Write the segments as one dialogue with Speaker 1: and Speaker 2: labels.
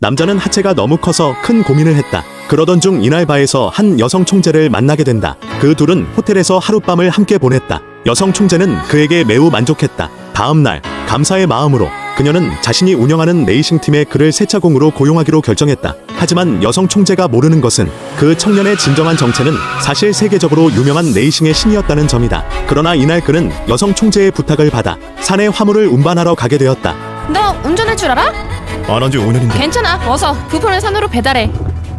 Speaker 1: 남자는 하체가 너무 커서 큰 고민을 했다. 그러던 중 이날 바에서 한 여성 총재를 만나게 된다. 그 둘은 호텔에서 하룻밤을 함께 보냈다. 여성 총재는 그에게 매우 만족했다. 다음 날 감사의 마음으로 그녀는 자신이 운영하는 레이싱팀에 그를 세차공으로 고용하기로 결정했다. 하지만 여성 총재가 모르는 것은 그 청년의 진정한 정체는 사실 세계적으로 유명한 레이싱의 신이었다는 점이다. 그러나 이날 그는 여성 총재의 부탁을 받아 산에 화물을 운반하러 가게 되었다.
Speaker 2: 너 운전할 줄 알아?
Speaker 1: 안 한 지 5년인데.
Speaker 2: 괜찮아. 어서 부품을 산으로 배달해.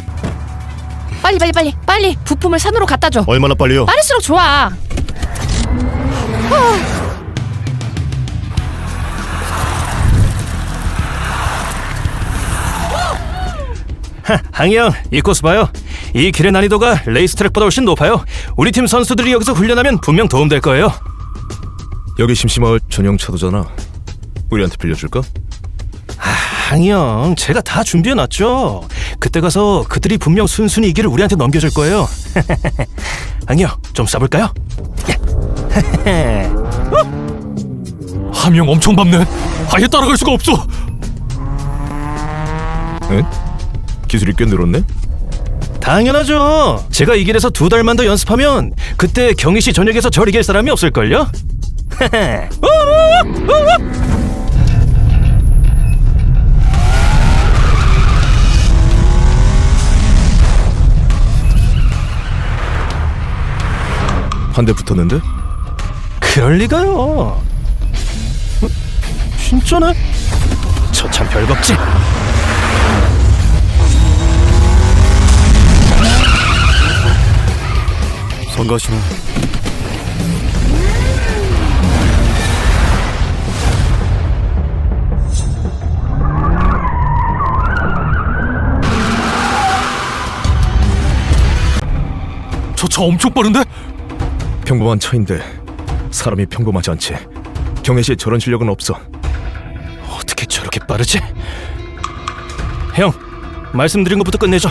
Speaker 2: 빨리 부품을 산으로 갖다 줘.
Speaker 1: 얼마나 빨리요?
Speaker 2: 빠를수록 좋아.
Speaker 3: 항영, 이 코스 봐요. 이 길의 난이도가 레이스트랙보다 훨씬 높아요. 우리 팀 선수들이 여기서 훈련하면 분명 도움될 거예요.
Speaker 4: 여기 심심마을 전용 차도잖아. 우리한테 빌려줄까?
Speaker 3: 항영, 제가 다 준비해놨죠. 그때 가서 그들이 분명 순순히 이 길을 우리한테 넘겨줄 거예요. 항영, 좀 쏴볼까요?
Speaker 5: 함영 엄청 밟네. 아예 따라갈 수가 없어.
Speaker 4: 응? 기술이 꽤 늘었네?
Speaker 3: 당연하죠. 제가 이 길에서 2달만 더 연습하면 그때 경희씨 전역에서 절 이길 사람이 없을걸요?
Speaker 4: 한 대 붙었는데?
Speaker 3: 그럴 리가요. 진짜네? 저 참 별겁지.
Speaker 4: 성가시나.
Speaker 5: 저 차 엄청 빠른데?
Speaker 4: 평범한 차인데 사람이 평범하지 않지. 경혜씨 저런 실력은 없어.
Speaker 3: 어떻게 저렇게 빠르지? 형, 말씀드린 것부터 끝내죠.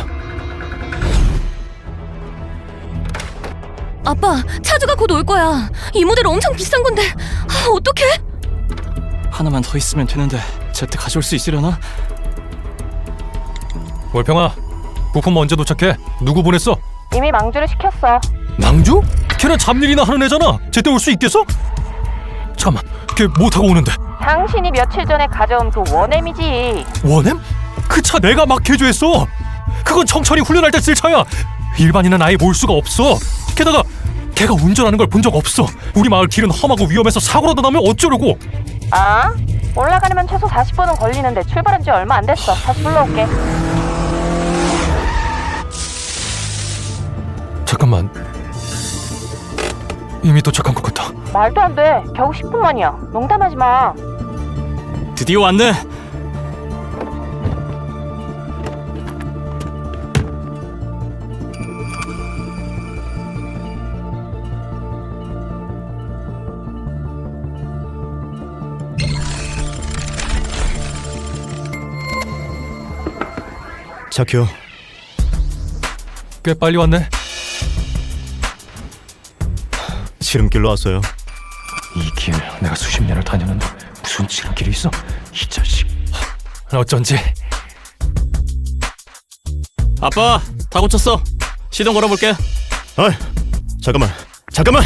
Speaker 2: 아빠, 차주가 곧 올 거야. 이 모델 엄청 비싼 건데. 어떡해?
Speaker 6: 하나만 더 있으면 되는데 제때 가져올 수 있으려나?
Speaker 5: 월평아, 부품 언제 도착해? 누구 보냈어?
Speaker 2: 이미 망주를 시켰어.
Speaker 5: 망주? 걔는 잡일이나 하는 애잖아. 제때 올 수 있겠어? 잠깐만, 걔 뭐 타고 오는데?
Speaker 2: 당신이 며칠 전에 가져온 그 원엠이지.
Speaker 5: 원엠? 그 차 내가 막 개조했어. 그건 청천이 훈련할 때 쓸 차야. 일반인은 아예 몰 수가 없어. 게다가 걔가 운전하는 걸 본 적 없어. 우리 마을 길은 험하고 위험해서 사고라도 나면 어쩌려고.
Speaker 2: 아? 올라가려면 최소 40분은 걸리는데 출발한 지 얼마 안 됐어. 다시 불러올게.
Speaker 5: 잠깐만, 이미 도착한 것 같아.
Speaker 2: 말도 안 돼. 겨우 10분만이야. 농담하지 마.
Speaker 6: 드디어 왔네.
Speaker 4: 자키요.
Speaker 5: 꽤 빨리 왔네.
Speaker 4: 지름길로 왔어요.
Speaker 5: 이 길 내가 수십 년을 다녔는데 무슨 지름길이 있어? 이 자식. 어쩐지.
Speaker 6: 아빠, 다 고쳤어. 시동 걸어볼게.
Speaker 4: 잠깐만.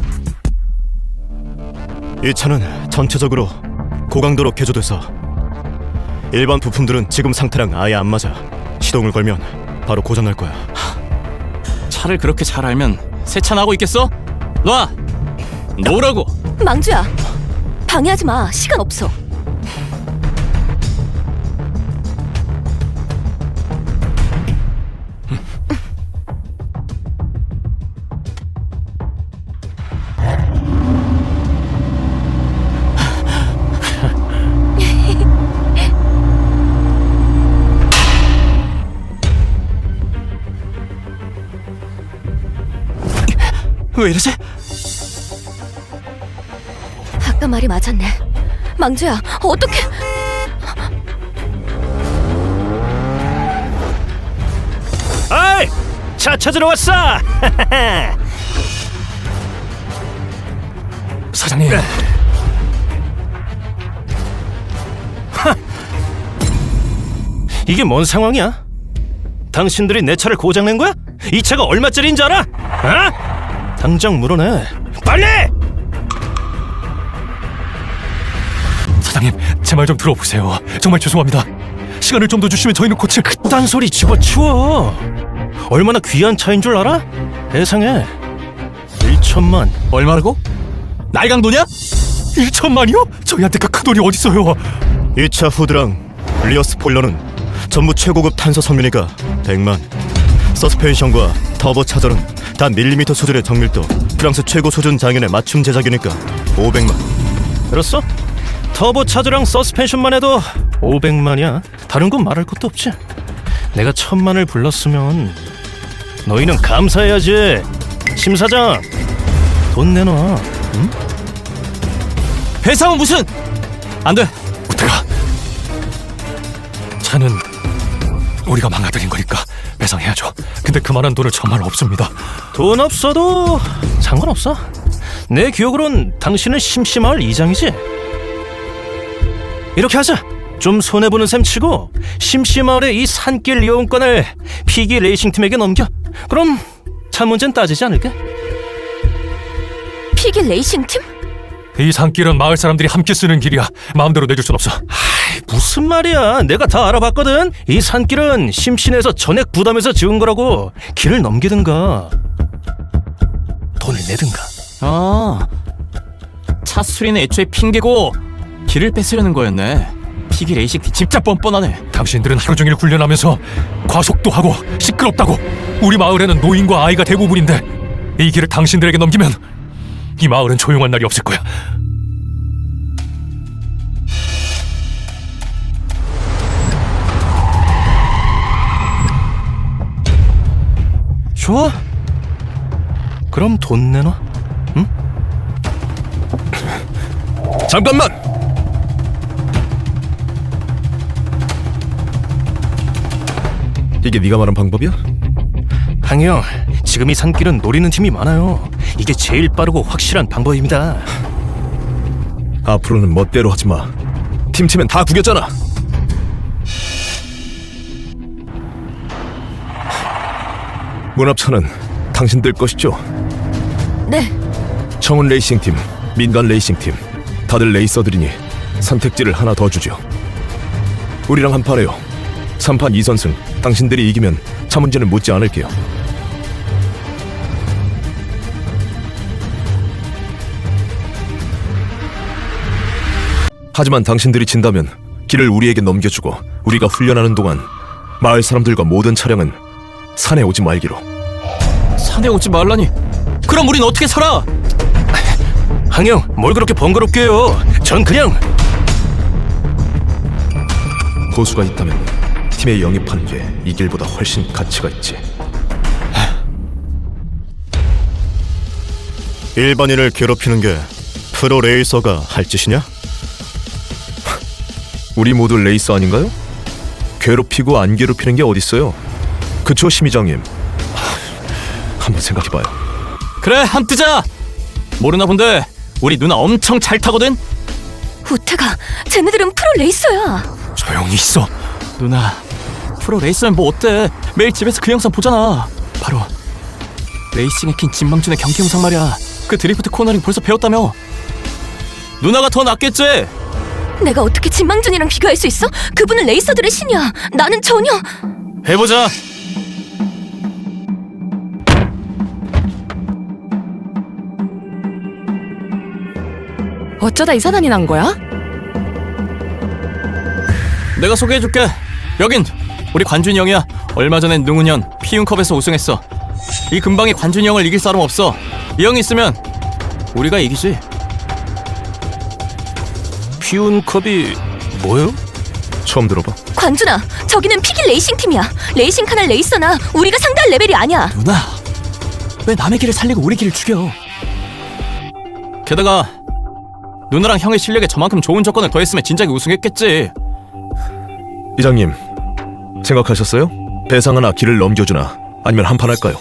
Speaker 4: 이 차는 전체적으로 고강도로 개조돼서 일반 부품들은 지금 상태랑 아예 안 맞아. 시동을 걸면 바로 고장날 거야.
Speaker 6: 차를 그렇게 잘 알면 세차 나고 있겠어? 놔! 놓으라고!
Speaker 2: 망주야. 방해하지 마. 시간 없어.
Speaker 6: 왜 이러지?
Speaker 2: 아까 말이 맞았네. 망주야, 어떡해.
Speaker 3: 아이! 차 찾으러 왔어!
Speaker 5: 사장님.
Speaker 3: 이게 뭔 상황이야? 당신들이 내 차를 고장낸 거야? 이 차가 얼마짜리인 줄 알아? 어? 당장 물어내. 빨리!
Speaker 5: 사장님, 제 말 좀 들어보세요. 정말 죄송합니다. 시간을 좀 더 주시면 저희는 고칠...
Speaker 3: 그딴 소리 집어치워. 얼마나 귀한 차인 줄 알아? 세상에 1천만.
Speaker 6: 얼마라고? 날강도냐?
Speaker 5: 1천만이요? 저희한테 그 큰돈이 어딨어요?
Speaker 4: 2차 후드랑 리어 스포일러는 전부 최고급 탄소 섬유니까 100만. 서스펜션과 터보 차저는 단 밀리미터 수준의 정밀도, 프랑스 최고 수준 장인의 맞춤 제작이니까 500만.
Speaker 3: 들었어? 터보 차저랑 서스펜션만 해도 500만이야. 다른 건 말할 것도 없지. 내가 1000만을 불렀으면 너희는 감사해야지. 심 사장, 돈 내놔. 응?
Speaker 6: 배상은 무슨? 안 돼.
Speaker 5: 우태가, 차는 우리가 망가뜨린 거니까 배상해야죠. 근데 그만한 돈을 정말 없습니다.
Speaker 3: 돈 없어도 상관없어. 내 기억으론 당신은 심심마을 이장이지? 이렇게 하자. 좀 손해보는 셈 치고 심심마을의 이 산길 이용권을 피기 레이싱팀에게 넘겨. 그럼 차 문제는 따지지 않을게?
Speaker 2: 피기 레이싱팀?
Speaker 5: 이 산길은 마을 사람들이 함께 쓰는 길이야. 마음대로 내줄 순 없어.
Speaker 3: 무슨 말이야. 내가 다 알아봤거든. 이 산길은 심신에서 전액 부담해서 지은 거라고. 길을 넘기든가 돈을 내든가.
Speaker 6: 아, 차 수리는 애초에 핑계고 길을 뺏으려는 거였네. 피기 레이싱팀 진짜 뻔뻔하네.
Speaker 5: 당신들은 하루 종일 훈련하면서 과속도 하고 시끄럽다고. 우리 마을에는 노인과 아이가 대부분인데 이 길을 당신들에게 넘기면 이 마을은 조용한 날이 없을 거야.
Speaker 3: 좋아. 그럼 돈 내놔. 응?
Speaker 4: 잠깐만! 이게 네가 말한 방법이야?
Speaker 3: 항영, 지금 이 산길은 노리는 팀이 많아요. 이게 제일 빠르고 확실한 방법입니다.
Speaker 4: 앞으로는 멋대로 하지 마. 팀 치면 다 구겼잖아. 문합차는 당신들 것이죠?
Speaker 2: 네.
Speaker 4: 청운 레이싱팀, 민간 레이싱팀, 다들 레이서들이니 선택지를 하나 더 주죠. 우리랑 한판 해요. 3판 2선승. 당신들이 이기면 차 문제는 묻지 않을게요. 하지만 당신들이 진다면 길을 우리에게 넘겨주고 우리가 훈련하는 동안 마을 사람들과 모든 차량은 산에 오지 말기로.
Speaker 6: 산에 오지 말라니. 그럼 우린 어떻게 살아?
Speaker 3: 항영, 뭘 그렇게 번거롭게 해요. 전 그냥...
Speaker 4: 호수가 있다면 팀에 영입하는 게 이 길보다 훨씬 가치가 있지. 일반인을 괴롭히는 게 프로 레이서가 할 짓이냐? 우리 모두 레이서 아닌가요? 괴롭히고 안 괴롭히는 게 어딨어요? 그쵸, 심의장님? 한번 생각해봐요.
Speaker 6: 그래, 함 뜨자. 모르나 본데 우리 누나 엄청 잘 타거든.
Speaker 2: 우태가, 쟤네들은 프로 레이서야.
Speaker 5: 조용히 있어.
Speaker 6: 누나, 프로 레이서면 뭐 어때? 매일 집에서 그 영상 보잖아. 바로 레이싱의 킹 진망준의 경기 영상 말이야. 그 드리프트 코너링 벌써 배웠다며. 누나가 더 낫겠지?
Speaker 2: 내가 어떻게 진망준이랑 비교할 수 있어? 그분은 레이서들의 신이야. 나는 전혀.
Speaker 6: 해보자.
Speaker 2: 어쩌다 이 사단이 난 거야?
Speaker 6: 내가 소개해줄게. 여긴 우리 관준이 형이야. 얼마 전엔 능훈현 피움컵에서 우승했어. 이 근방에 관준이 형을 이길 사람 없어. 이 형이 있으면 우리가 이기지.
Speaker 3: 피운컵이 뭐요?
Speaker 4: 처음 들어봐.
Speaker 2: 관준아, 저기는 피기 레이싱 팀이야. 레이싱 카날 레이서나 우리가 상대할 레벨이 아니야.
Speaker 6: 누나, 왜 남의 길을 살리고 우리 길을 죽여? 게다가 누나랑 형의 실력에 저만큼 좋은 조건을 더했으면 진작에 우승했겠지.
Speaker 4: 이장님, 생각하셨어요? 배상하나 길을 넘겨주나 아니면 한판 할까요?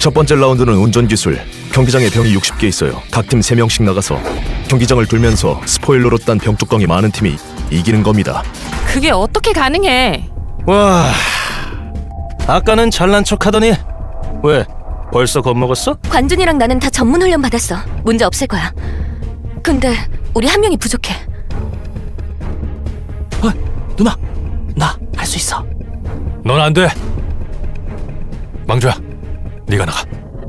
Speaker 4: 첫 번째 라운드는 운전기술. 경기장에 병이 60개 있어요. 각 팀 3명씩 나가서 경기장을 돌면서 스포일러로 딴 병 뚜껑이 많은 팀이 이기는 겁니다.
Speaker 2: 그게 어떻게 가능해?
Speaker 3: 와, 아까는 잘난 척하더니 왜 벌써 겁먹었어?
Speaker 7: 관준이랑 나는 다 전문 훈련 받았어. 문제 없을 거야. 근데 우리 한 명이 부족해.
Speaker 6: 누나, 나 할 수 있어.
Speaker 5: 넌 안 돼. 망조야, 네가 나가.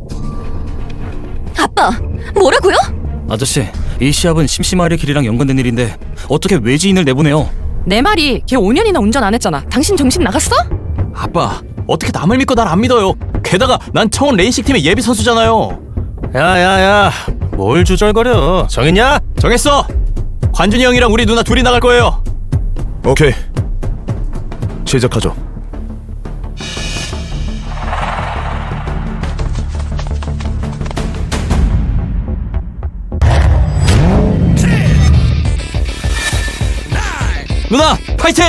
Speaker 7: 아빠, 뭐라고요?
Speaker 6: 아저씨, 이 시합은 심심하리 길이랑 연관된 일인데 어떻게 외지인을 내보내요?
Speaker 2: 내 말이 걔 5년이나 운전 안 했잖아. 당신 정신 나갔어?
Speaker 6: 아빠, 어떻게 남을 믿고 날 안 믿어요? 게다가 난 청원 레이싱 팀의 예비 선수잖아요.
Speaker 3: 야야야, 뭘 주절거려? 정했냐?
Speaker 6: 정했어. 관준이 형이랑 우리 누나 둘이 나갈 거예요.
Speaker 4: 오케이. 시작하죠.
Speaker 6: 누나, 파이팅!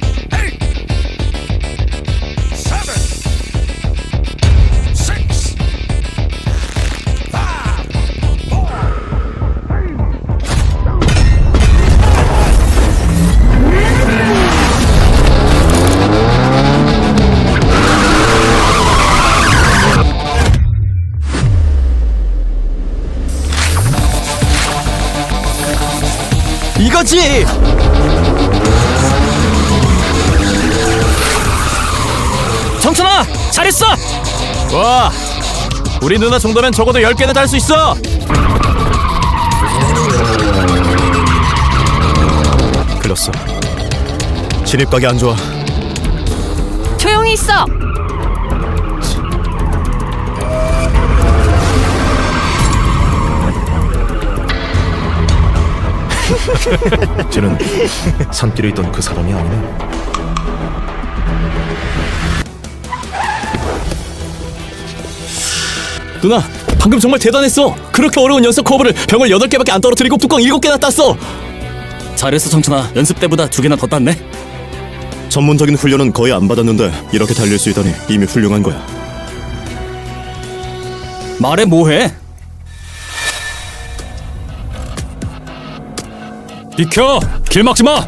Speaker 6: 이거지! 정천아, 잘했어! 와, 우리 누나 정도면 적어도 10개는 달 수 있어!
Speaker 4: 글렀어. 진입각이 안 좋아.
Speaker 2: 조용히 있어.
Speaker 4: 쟤는 산길에 있던 그 사람이 아니네.
Speaker 6: 누나, 방금 정말 대단했어! 그렇게 어려운 연습 커브를 병을 8개밖에 안 떨어뜨리고 뚜껑 7개나 땄어! 잘했어, 정천아. 연습 때보다 2개나 더 땄네?
Speaker 4: 전문적인 훈련은 거의 안 받았는데 이렇게 달릴 수 있다니 이미 훌륭한 거야.
Speaker 6: 말해 뭐해?
Speaker 5: 비켜! 길 막지 마!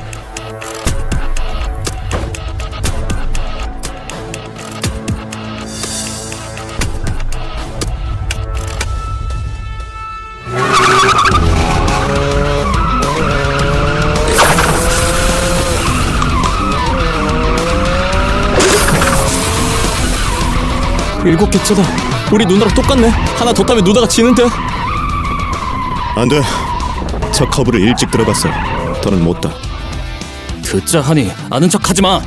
Speaker 6: 일곱 개째다. 우리 누나랑 똑같네. 하나 더 따면 누나가 지는데.
Speaker 4: 안 돼. 첫 커브를 일찍 들어갔어. 더는 못 따.
Speaker 6: 듣자 하니 아는 척 하지 마.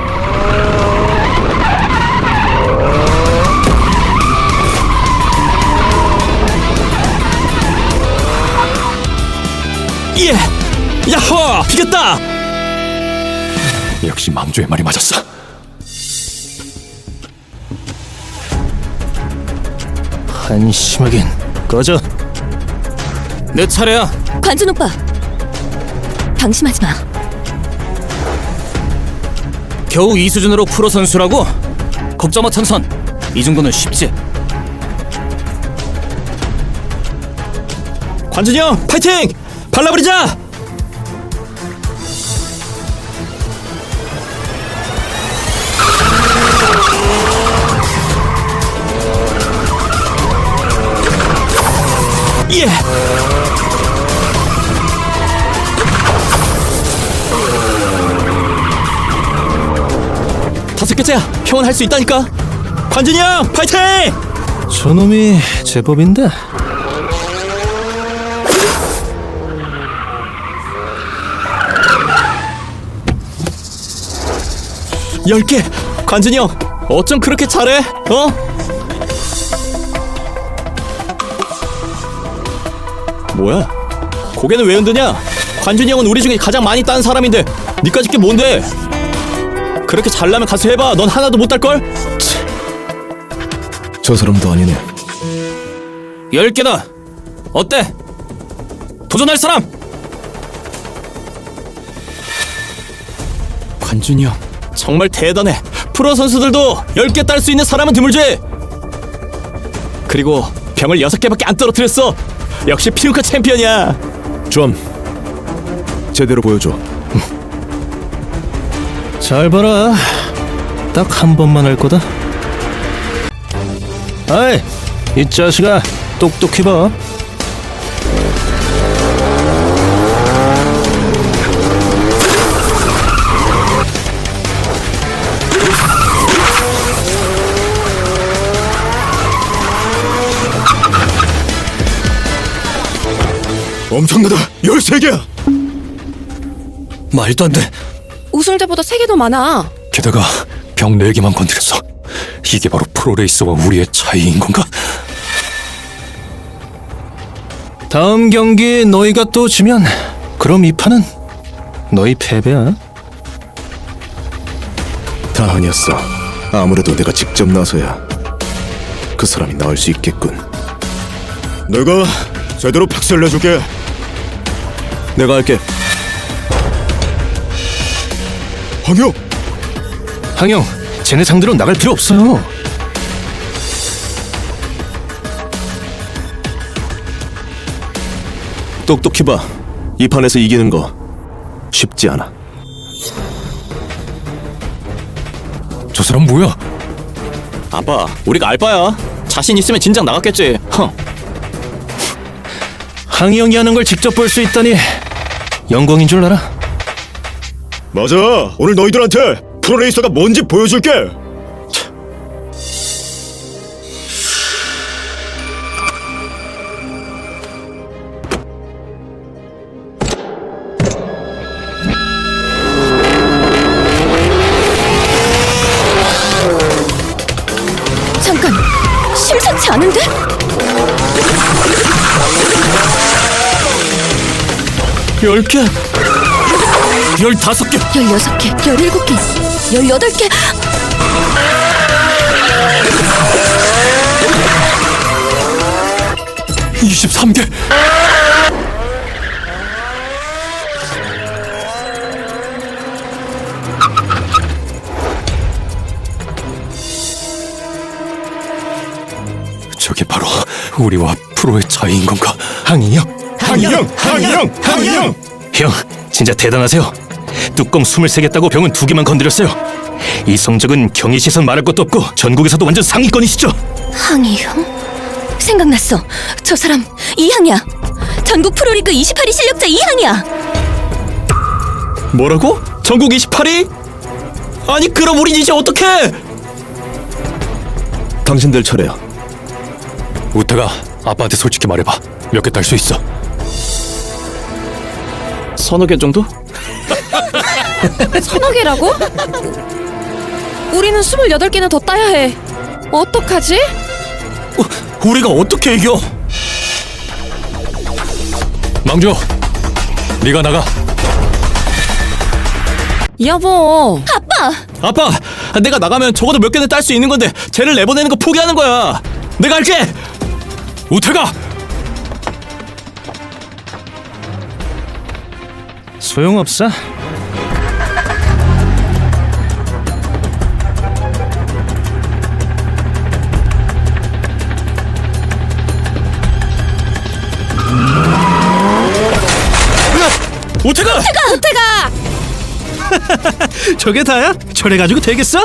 Speaker 6: 예! 야호! 비겼다!
Speaker 5: 역시 망조의 말이 맞았어.
Speaker 3: 한심하긴. 꺼져.
Speaker 6: 내 차례야.
Speaker 7: 관준 오빠, 방심하지 마.
Speaker 6: 겨우 이 수준으로 프로 선수라고? 걱정 마, 천선. 이 정도는 쉽지. 관준이 형, 파이팅! 발라버리자! 예! 다섯 개째야. 형은 할 수 있다니까. 관준이 형, 파이팅!
Speaker 3: 저놈이 제법인데.
Speaker 6: 10개! 관준이 형, 어쩜 그렇게 잘해? 어? 뭐야? 고개는 왜 흔드냐? 관준이 형은 우리 중에 가장 많이 딴 사람인데 니까짓 게 뭔데? 그렇게 잘나면 가서 해봐. 넌 하나도 못 딸걸?
Speaker 4: 저 사람도 아니네.
Speaker 6: 10개다! 어때? 도전할 사람! 관준이 형, 정말 대단해. 프로 선수들도 10개 딸 수 있는 사람은 드물지. 그리고 병을 6개밖에 안 떨어뜨렸어. 역시 피우카 챔피언이야.
Speaker 4: 좀 제대로 보여줘.
Speaker 3: 잘 봐라. 딱 한 번만 할 거다. 아이, 이 자식아, 똑똑히 봐.
Speaker 4: 엄청나다. 13개야.
Speaker 5: 말도 안 돼.
Speaker 8: 우승 때보다 3개 더 많아.
Speaker 5: 게다가 병 4개만 건드렸어. 이게 바로 프로레이서와 우리의 차이인 건가?
Speaker 3: 다음 경기 너희가 또 지면 그럼 이 판은 너희 패배야.
Speaker 4: 다 아니었어. 아무래도 내가 직접 나서야 그 사람이 나을 수 있겠군. 내가 제대로 박살 내줄게. 내가 할게. 황영!
Speaker 3: 항영, 쟤네 상대로 나갈 필요 없어요.
Speaker 4: 똑똑히 봐. 이 판에서 이기는 거 쉽지 않아.
Speaker 5: 저 사람 뭐야?
Speaker 6: 아빠, 우리가 알바야. 자신 있으면 진작 나갔겠지.
Speaker 3: 항영이 하는 걸 직접 볼 수 있다니 영광인 줄 알아.
Speaker 4: 맞아. 오늘 너희들한테 프로레이서가 뭔지 보여줄게.
Speaker 7: 잠깐, 심상치 않은데?
Speaker 6: 10개,
Speaker 5: 15개.
Speaker 7: 16개, 17개, 18개.
Speaker 5: 23개. 저게 바로 우리와 프로의 차이인 건가?
Speaker 3: 항이 형,
Speaker 4: 황영!
Speaker 3: 형, 진짜 대단하세요. 뚜껑 23개 따고 병은 2개만 건드렸어요. 이 성적은 경희 시선 말할 것도 없고 전국에서도 완전 상위권이시죠.
Speaker 7: 항이형? 생각났어. 저 사람 이항이야. 전국 프로리그 28위 실력자 이항이야.
Speaker 6: 뭐라고? 전국 28위? 아니 그럼 우린 이제 어떡해?
Speaker 4: 당신들 차례야.
Speaker 5: 우태가 아빠한테 솔직히 말해봐. 몇 개 딸 수 있어?
Speaker 6: 서너 개 정도?
Speaker 8: 서너 개라고? 우리는 28개나 더 따야 해. 어떡하지?
Speaker 6: 우리가 어떻게 이겨?
Speaker 5: 망조, 네가 나가.
Speaker 8: 여보.
Speaker 6: 아빠, 내가 나가면 적어도 몇 개는 딸 수 있는 건데 쟤를 내보내는 거 포기하는 거야. 내가 할게.
Speaker 5: 우태가!
Speaker 3: 소용없어.
Speaker 6: 우태가!
Speaker 3: 저게 다야? 저래가지고 되겠어?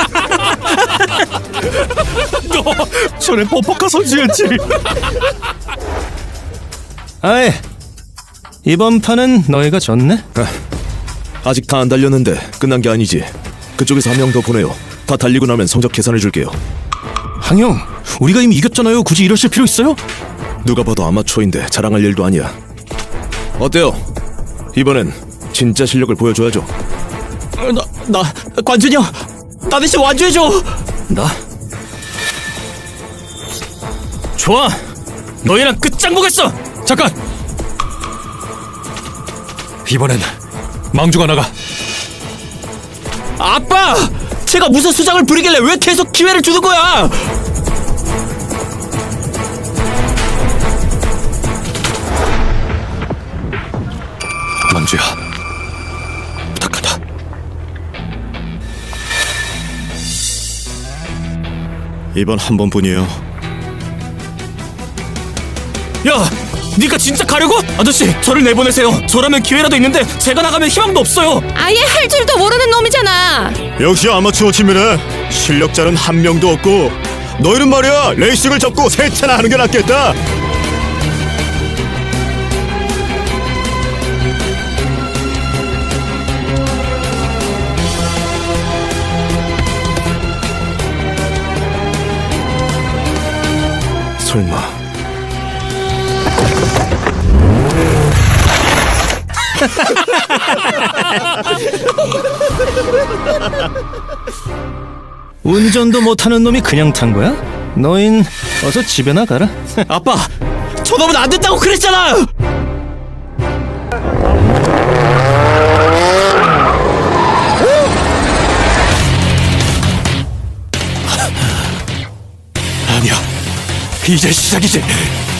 Speaker 5: 너 전에 버퍼카 선수였지.
Speaker 3: 아이, 이번 판은 너희가 졌네.
Speaker 4: 아직 다 안 달렸는데 끝난 게 아니지. 그쪽에서 한 명 더 보내요. 다 달리고 나면 성적 계산해줄게요.
Speaker 3: 항영, 우리가 이미 이겼잖아요. 굳이 이러실 필요 있어요?
Speaker 4: 누가 봐도 아마추어인데 자랑할 일도 아니야. 어때요? 이번엔 진짜 실력을 보여줘야죠.
Speaker 6: 관준이 형, 나 대신 완주해줘.
Speaker 3: 나? 좋아. 너희랑 끝장 보겠어.
Speaker 5: 잠깐. 이번엔 망주가 나가.
Speaker 6: 아빠! 제가 무슨 수작을 부리길래 왜 계속 기회를 주는 거야?
Speaker 5: 망주야, 부탁한다.
Speaker 4: 이번 한 번뿐이에요.
Speaker 6: 야, 니가 진짜 가려고? 아저씨, 저를 내보내세요. 저라면 기회라도 있는데 제가 나가면 희망도 없어요.
Speaker 8: 아예 할 줄도 모르는 놈이잖아.
Speaker 4: 역시 아마추어 팀이네. 실력자는 한 명도 없고 너희는 말이야 레이싱을 접고 세차나 하는 게 낫겠다.
Speaker 3: 설마 운전도 못하는 놈이 그냥 탄 거야? 너흰 어서 집에나 가라.
Speaker 6: 아빠, 저놈은 안 된다고 그랬잖아.
Speaker 5: 아니야, 이제 시작이지.